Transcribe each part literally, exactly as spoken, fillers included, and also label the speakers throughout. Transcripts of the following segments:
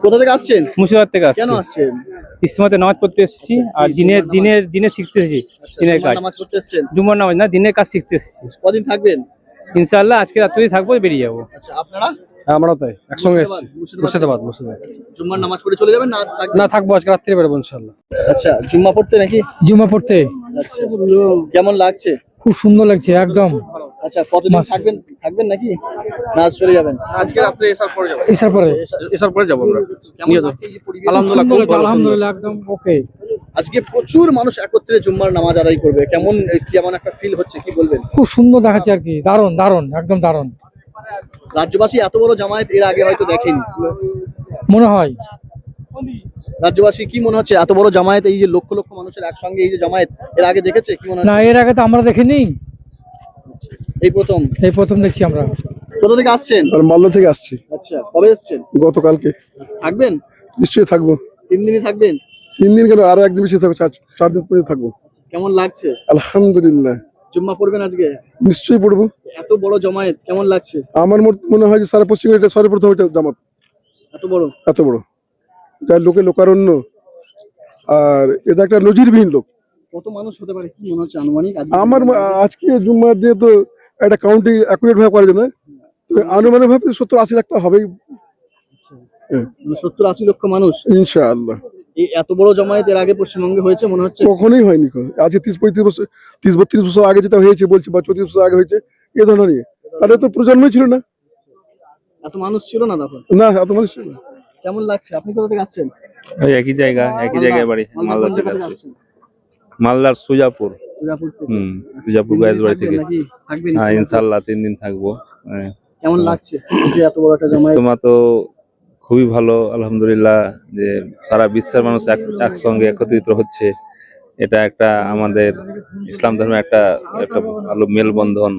Speaker 1: কোথা থেকে আসছেন?
Speaker 2: মুর্শিদাবাদ থেকে আসছি।
Speaker 1: কেন আসছেন?
Speaker 2: ইজতেমাতে নামাজ পড়তে এসেছি আর দিনের দিনের দিনে শিখতে এসেছি। দিনের কাজ
Speaker 1: নামাজ পড়তে এসেছেন?
Speaker 2: জুম্মার নামাজ না, দিনের কাজ শিখতে এসেছি।
Speaker 1: কদিন থাকবেন?
Speaker 2: ইনশাআল্লাহ আজকে রাত্রেই থাকবো, বেরিয়ে যাবো।
Speaker 1: আচ্ছা, আপনারা?
Speaker 3: আমরাও তাই একসঙ্গে এসেছি।
Speaker 1: মুর্শিদাবাদ।
Speaker 3: মুর্শিদাবাদ।
Speaker 1: জুম্মার নামাজ পড়ে চলে যাবেন না আজ থাকবেন?
Speaker 3: না, থাকবো, আজকে রাত্রে বেরোবো ইনশাআল্লাহ।
Speaker 1: আচ্ছা, জুম্মা পড়তে নাকি?
Speaker 4: জুম্মা পড়তে
Speaker 1: আচ্ছা, কেমন লাগছে?
Speaker 4: খুব সুন্দর লাগছে একদম।
Speaker 1: আচ্ছা, কতদিন থাকবেন থাকবেন নাকি না আজ চলে যাবেন?
Speaker 3: আজকে রাত্রে এসার পরে যাবো।
Speaker 4: এসার পরে
Speaker 3: এসার পরে যাবো আমরা।
Speaker 1: কেমন লাগছে এই যে পরিবেশ?
Speaker 3: আলহামদুলিল্লাহ, খুব ভালো,
Speaker 4: আলহামদুলিল্লাহ একদম ওকে।
Speaker 1: আজকে প্রচুর মানুষ একত্রে জুম্মার নামাজ আদায় করবে, কেমন কেমন একটা ফিল হচ্ছে, কি বলবেন?
Speaker 4: খুব সুন্দর দেখাচ্ছে আর কি, দারুণ দারুণ একদম দারুণ।
Speaker 1: রাজ্যবাসী এত বড় জামায়াত এর আগে হয়তো দেখেনি,
Speaker 4: মনে হয়।
Speaker 1: রাজ্যবাসী কি মনে হচ্ছে এত বড় জামায়াত, এই যে লক্ষ লক্ষ মানুষের একসঙ্গে এই যে জামায়াত এর আগে দেখেছে কি মনে
Speaker 4: না,
Speaker 1: হচ্ছে?
Speaker 4: এর আগে তো আমরা দেখিনি,
Speaker 1: এই প্রথম
Speaker 4: এই প্রথম দেখছি আমরা।
Speaker 1: কোথা থেকে আসছেন?
Speaker 5: মালদা থেকে আসছি।
Speaker 1: আচ্ছা, কবে এসেছেন?
Speaker 5: গতকালকে।
Speaker 1: থাকবেন?
Speaker 5: নিশ্চয়ই থাকবো।
Speaker 1: তিন দিনই থাকবেন?
Speaker 5: তিন দিন কেন, আরো একদিন বেশি থাকবো, চার চার দিন পর্যন্ত থাকবো।
Speaker 1: কেমন লাগছে?
Speaker 5: আলহামদুলিল্লাহ।
Speaker 1: জুম্মা পড়বেন আজকে?
Speaker 5: নিশ্চয়ই পড়বো।
Speaker 1: এত বড় জামায়াত কেমন লাগছে?
Speaker 5: আমার মনে হয় যে সারা পশ্চিমে এটা সর্বপ্রথম এটা জামাত,
Speaker 1: এত বড়
Speaker 5: এত বড়, যার লোকে লোকারণ্য, আর এটা একটা নজিরবিহীন লোক।
Speaker 1: কত মানুষ হতে পারে কি মনে হচ্ছে আনুমানিক?
Speaker 5: আমার আজকে জুম্মার যেহেতু একটা কাউন্টিং অ্যাকুরেট ভাবে করা যায় না, আনুমানিক ভাবে সত্তর আশি লাখ তো হবেই।
Speaker 1: সত্তর আশি লক্ষ মানুষ
Speaker 5: ইনশাআল্লাহ।
Speaker 1: এই এত বড় জামায়াত এর আগে পশ্চিমবঙ্গে হয়েছে মনে হচ্ছে?
Speaker 5: কখনোই হয়নি। আজকে তিরিশ পঁয়ত্রিশ বছর তিরিশ বত্রিশ বছর আগে যেটা হয়েছে বলছি, বা চৌত্রিশ বছর আগে হয়েছে এ ধরনের নিয়ে, তাহলে তো প্রজন্মই ছিল না।
Speaker 1: এত মানুষ ছিল না তখন?
Speaker 5: না, এত মানুষ ছিল না।
Speaker 1: কেমন লাগছে? আপনি কোথা থেকে আসছেন?
Speaker 2: ওই একই জায়গা, একই জায়গায় বাড়ি, মালদা থেকে আসছি। মালদার সুজাপুর।
Speaker 1: সুজাপুর থেকে?
Speaker 2: হুম, সুজাপুর গায়েসবাড়ি থেকে।
Speaker 1: নাকি থাকবেন?
Speaker 2: হ্যাঁ, ইনশাআল্লাহ তিন দিন থাকবো।
Speaker 1: কেমন লাগছে যে এত বড় একটা জামায়াত?
Speaker 2: ইজতেমা তো খুবই ভালো, আলহামদুলিল্লাহ, যে সারা বিশ্বের মানুষ একসঙ্গে একত্রিত হচ্ছে। এটা একটা আমাদের ইসলাম ধর্মের একটা একটা ভালো মেলবন্ধন,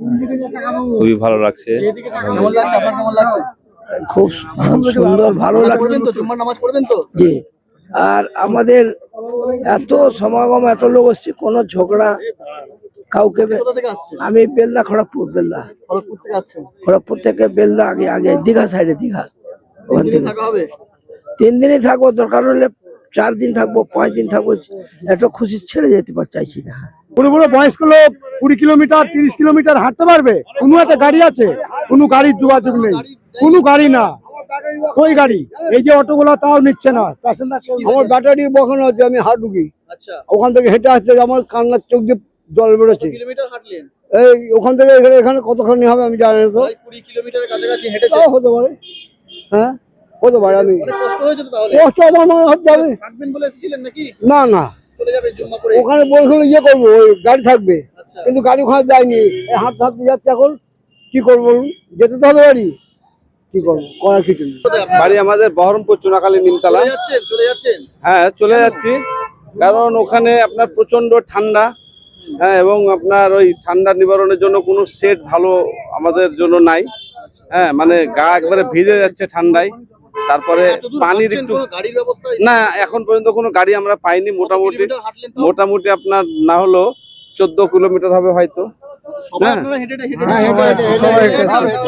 Speaker 2: খুবই ভালো লাগছে।
Speaker 1: কেমন লাগছে আপনার? কেমন লাগছে?
Speaker 6: খুব সুন্দর, ভালো লাগছে
Speaker 1: তো জুম্মার নামাজ পড়বেন তো?
Speaker 6: জি। আর আমাদের এত সমাগম, এত লোক আসছে, কোনো ঝগড়া কাউকে।
Speaker 1: কোথা থেকে আসছেন?
Speaker 6: আমি বেলদা, খড়গপুর। বেলদা
Speaker 1: খড়গপুর থেকে আসছেন?
Speaker 6: খড়গপুর থেকে বেলদা, আগে আগে দীঘা সাইডে, দীঘা। ওখান থেকে
Speaker 1: থাকা হবে?
Speaker 6: তিন দিনই থাকবো, দরকার হলে চার দিন থাকবো, পাঁচ দিন থাকবো। এত খুশি ছেড়ে যেতে পার চাইছি না।
Speaker 3: বড় বড় বয়স্ক লোক কুড়ি কিলোমিটার তিরিশ কিলোমিটার হাঁটতে পারবে? কোনো একটা গাড়ি আছে? কোনো গাড়ির যোগাযোগ নেই, কোনো গাড়ি না। ওই গাড়ি এই যে অটোগুলা তাও নিচ্ছে না। আমার ব্যাটারি বসানো হচ্ছে, আমি হাঁটুকি,
Speaker 1: আচ্ছা,
Speaker 3: ওখান থেকে হেঁটে আসছে, আমার কান্নার চোখ দিয়ে জল বেরোচ্ছে।
Speaker 1: কিলোমিটার হাঁটলেন?
Speaker 3: এই ওখান থেকে এখানে এখানে কতখানি হবে আমি জানি না, তো
Speaker 1: কুড়ি কিলোমিটারের কাছাকাছি হেঁটেছে?
Speaker 3: তাও হতে পারে, হ্যাঁ হতে পারে। আমি
Speaker 1: অনেক কষ্ট হয়েছে তো তাহলে?
Speaker 3: কষ্ট আমার মনে হচ্ছে যাবে।
Speaker 1: থাকবেন বলে এসেছিলেন নাকি?
Speaker 3: না না,
Speaker 1: চলে যাবেন জুম্মা পড়ে?
Speaker 3: ওখানে বলছিল ইয়ে করবো, ওই গাড়ি থাকবে,
Speaker 1: আচ্ছা,
Speaker 3: কিন্তু গাড়ি ওখানে যায়নি। এই হাঁটতে হাঁটতে যাচ্ছে, এখন কি করবো বলুন? যেতে তো হবে বাড়ি, কি করবো, করার কিছু নেই।
Speaker 7: বাড়ি আমাদের বহরমপুর চুনাখালী নিমতলা।
Speaker 1: চলে যাচ্ছেন? চলে যাচ্ছেন?
Speaker 7: হ্যাঁ, চলে যাচ্ছি, কারণ ওখানে আপনার প্রচন্ড ঠান্ডা। হ্যাঁ, এবং আপনার ওই ঠান্ডা নিবারণের জন্য কোনো সেট ভালো আমাদের জন্য নাই। হ্যাঁ, মানে গা একবারে ভিজে যাচ্ছে ঠান্ডায়। তারপরে পানির একটু
Speaker 1: গাড়ির ব্যবস্থা
Speaker 7: না, এখন পর্যন্ত কোনো গাড়ি আমরা পাইনি। মোটামুটি
Speaker 1: হাঁটলেন?
Speaker 7: মোটামুটি আপনার না হলো চোদ্দ কিলোমিটার হবে হয়তো।
Speaker 1: সবাই
Speaker 7: হ্যাঁ।
Speaker 1: আপনারা হেঁটে হেঁটে
Speaker 3: হ্যাঁ, হেঁটে আসছে, সবাই হেঁটে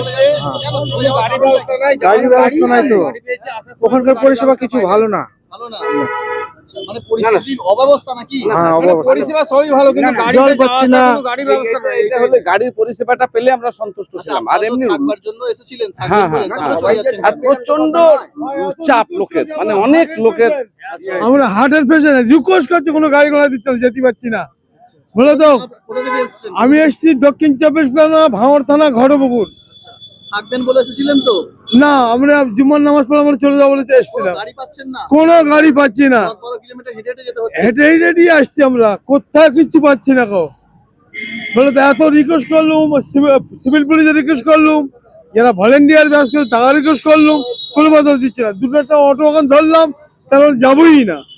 Speaker 3: আসছে। গাড়ির ব্যবস্থা নাই তো, ওখানকার পরিষেবা কিছু ভালো না।
Speaker 1: ভালো না? আচ্ছা, মানে পরিস্থিতির অব্যবস্থা নাকি?
Speaker 3: হ্যাঁ, অবস্থা।
Speaker 2: পরিষেবা সবই ভালো, কিন্তু গাড়ি
Speaker 3: জল পাচ্ছি না।
Speaker 2: গাড়ি ব্যবস্থা নাই।
Speaker 7: এটা হলে গাড়ির পরিষেবাটা পেলে আমরা সন্তুষ্ট ছিলাম। আর এমনি
Speaker 1: থাকবার জন্য এসেছিলেন,
Speaker 7: হ্যাঁ,
Speaker 1: থাকবেন
Speaker 7: হ্যাঁ,
Speaker 1: বলে, তারপরে চলে যাচ্ছেন?
Speaker 7: আর প্রচন্ড চাপ লোকের, মানে অনেক লোকের।
Speaker 3: আমরা হার্টের পেশেন্ট, রিকোয়েস্ট করছি, কোনো গাড়ি ঘোড়া দিচ্ছে না, যেতে পারছি না। বলো তো,
Speaker 1: কোথা থেকে এসেছেন?
Speaker 3: আমি এসেছি দক্ষিণ চব্বিশ পরগনা, ভাঙড় থানা, ঘটপুকুর।
Speaker 1: থাকবেন বলে এসেছিলেন তো?
Speaker 3: না, আমরা জুম্মার নামাজ পড়ে আমরা চলে যাবো বলে এসেছিলাম।
Speaker 1: গাড়ি পাচ্ছেন না?
Speaker 3: কোনো গাড়ি পাচ্ছি না,
Speaker 1: দশ বারো কিলোমিটার হেঁটে হেঁটে যেতে হচ্ছে?
Speaker 3: হেঁটে হেঁটে দিয়ে আসছি আমরা, কোথাও কিছু পাচ্ছি না। কো বলে তো, এত রিকোয়েস্ট করলুম, সিভিল পুলিশে রিকোয়েস্ট করলুম, যারা ভলেন্টিয়ার ব্যাস করে তারা রিকোয়েস্ট করলুম, কোনো কথা দিচ্ছে না। দুটো একটা অটো ওখানে ধরলাম, তারপর যাবোই না।